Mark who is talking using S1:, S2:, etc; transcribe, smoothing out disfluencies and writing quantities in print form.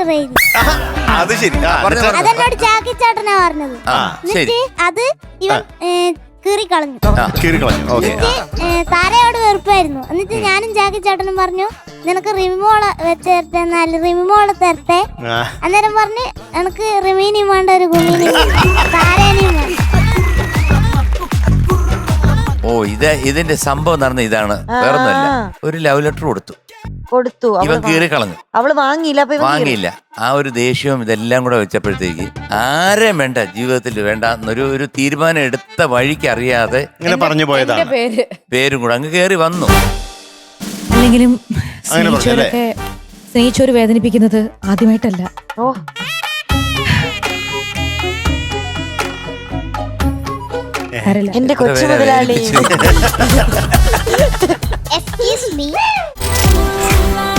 S1: Rail.
S2: അത് ശരി.
S1: അതെന്നോട് ജാക്കി ചേട്ടനാ പറഞ്ഞത്. എന്നിട്ട് അത് ഇവൻ കീറിക്കളഞ്ഞു. താരയോട് വെറുപ്പായിരുന്നു. എന്നിട്ട് ഞാനും ജാക്കി ചേട്ടനും പറഞ്ഞു, നിനക്ക് റിമിമോളെ വെച്ച് റിമിമോളെ തരട്ടെ. അന്നേരം പറഞ്ഞ് എനിക്ക് റിമീനിയും വേണ്ട, ഒരു ഗുമീനിയും താരേനെയും വേണ്ട.
S3: ഓ, ഇതിന്റെ സംഭവം നടന്ന ഇതാണ്, വേറൊന്നുമല്ല. ഒരു ലവ് ലെറ്റർ കൊടുത്തു. ഇവൻ കീറി കളഞ്ഞു.
S4: അവള് വാങ്ങിയില്ല.
S3: ആ ഒരു ദേഷ്യവും ഇതെല്ലാം കൂടെ വെച്ചപ്പോഴത്തേക്ക് ആരെയും വേണ്ട, ജീവിതത്തിൽ വേണ്ട എന്നൊരു തീരുമാനം എടുത്ത വഴിക്ക് അറിയാതെ ഇങ്ങനെ പറഞ്ഞു പോയതാണ്. പേരും കൂടെ അങ്ങ് കേറി വന്നു.
S5: അല്ലെങ്കിലും സ്നേഹിച്ചോര് വേദനിപ്പിക്കുന്നത് ആദ്യമായിട്ടല്ല.
S4: ഓ, എന്റെ കൊച്ചു മുതലാളി.
S1: Excuse me.